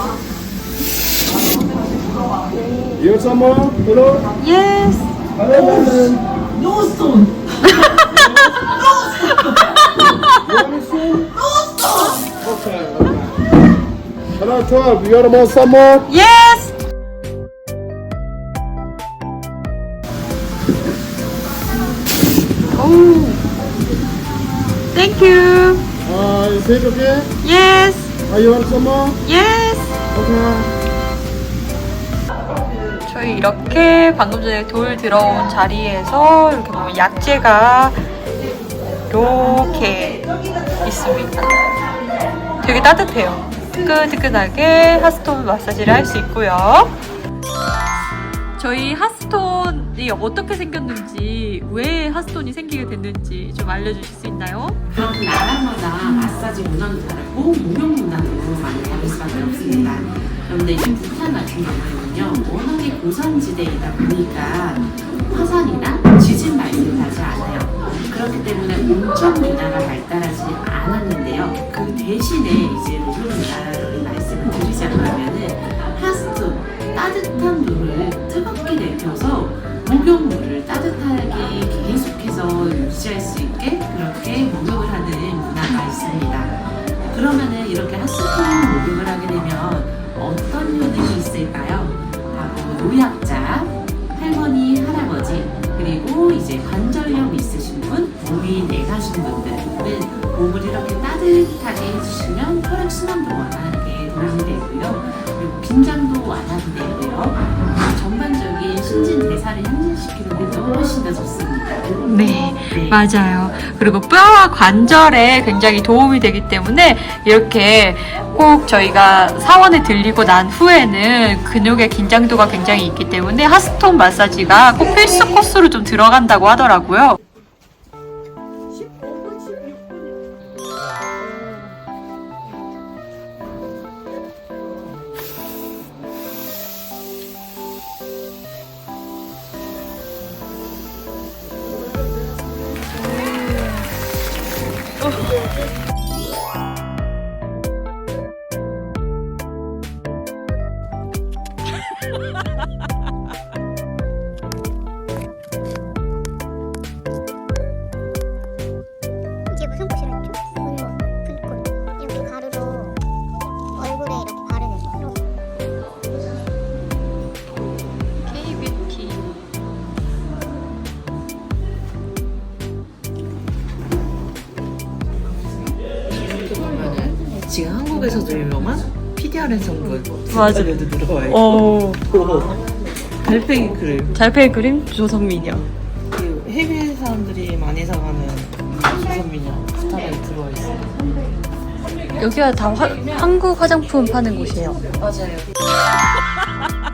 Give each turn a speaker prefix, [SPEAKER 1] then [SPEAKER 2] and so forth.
[SPEAKER 1] You want some more? Hello?
[SPEAKER 2] Yes.
[SPEAKER 3] No stone.
[SPEAKER 1] You want a spoon? Okay, okay. Hello, 12. You want some more?
[SPEAKER 2] Yes. Oh. Thank you.
[SPEAKER 1] Is it okay?
[SPEAKER 2] Yes.
[SPEAKER 1] You want some more?
[SPEAKER 2] Yes.
[SPEAKER 1] Okay.
[SPEAKER 2] 저희 이렇게 방금 전에 돌 들어온 자리에서 이렇게 보면 약재가 이렇게 있습니다. 되게 따뜻해요. 뜨끈뜨끈하게 핫스톤 마사지를 할 수 있고요. 저희 핫스톤이 어떻게 생겼는지, 왜 핫스톤이 생기게 됐는지 좀 알려주실 수 있나요?
[SPEAKER 3] 각 나라마다 마사지 문화도 다르고 목욕 문화도 많이 다를 수밖에 없습니다. 그런데 이 북한 같은 경우에는요, 워낙에 고산지대이다 보니까 화산이나 지진 발생하지 않아요. 그렇기 때문에 온천 문화가 발달하지 않았는데요. 그 대신에 이제 목욕 문화를 말씀을 드리자면은 핫스톤, 따뜻한 물을 뜨겁게 내려서 목욕물을 따뜻하게 계속해서 유지할 수 있게 그렇게 목욕을 하는 문화가 있습니다. 그러면은 이렇게 핫스톤 목욕을 하게 되면 어떤 효능이 있을까요? 바로 노약자, 할머니, 할아버지, 그리고 이제 관절염 있으신 분, 몸이 내가신 분들은 몸을 이렇게 따뜻하게 해주시면 혈액순환도 원활하게 도움이 되고요. 그리고 긴장도 완화되고요. 전반적인 신진대사를 향진시키는 데도 훨씬 더 좋습니다.
[SPEAKER 2] 네, 맞아요. 그리고 뼈와 관절에 굉장히 도움이 되기 때문에 이렇게 꼭 저희가 사원에 들리고 난 후에는 근육의 긴장도가 굉장히 있기 때문에 핫스톤 마사지가 꼭 필수 코스로 좀 들어간다고 하더라고요.
[SPEAKER 4] 이게 무슨 꽃이라 했죠? 분모, 분꽃. 이렇게 가루로 얼굴에 이렇게 바르는 거.
[SPEAKER 2] K-뷰티.
[SPEAKER 3] 이렇게 보면은 지금 한국에서도 유명한 PDRN 성분
[SPEAKER 2] 맞아.
[SPEAKER 3] 에도 들어와 있고
[SPEAKER 2] 오.
[SPEAKER 3] 달팽이 크림
[SPEAKER 2] 달팽이 그림 조선미녀.
[SPEAKER 3] 그리고 해외 사람들이 많이 사가는 조선미녀 스타일이 들어와 있어요.
[SPEAKER 2] 여기가 다 한국 화장품 파는 곳이에요.
[SPEAKER 3] 맞아요.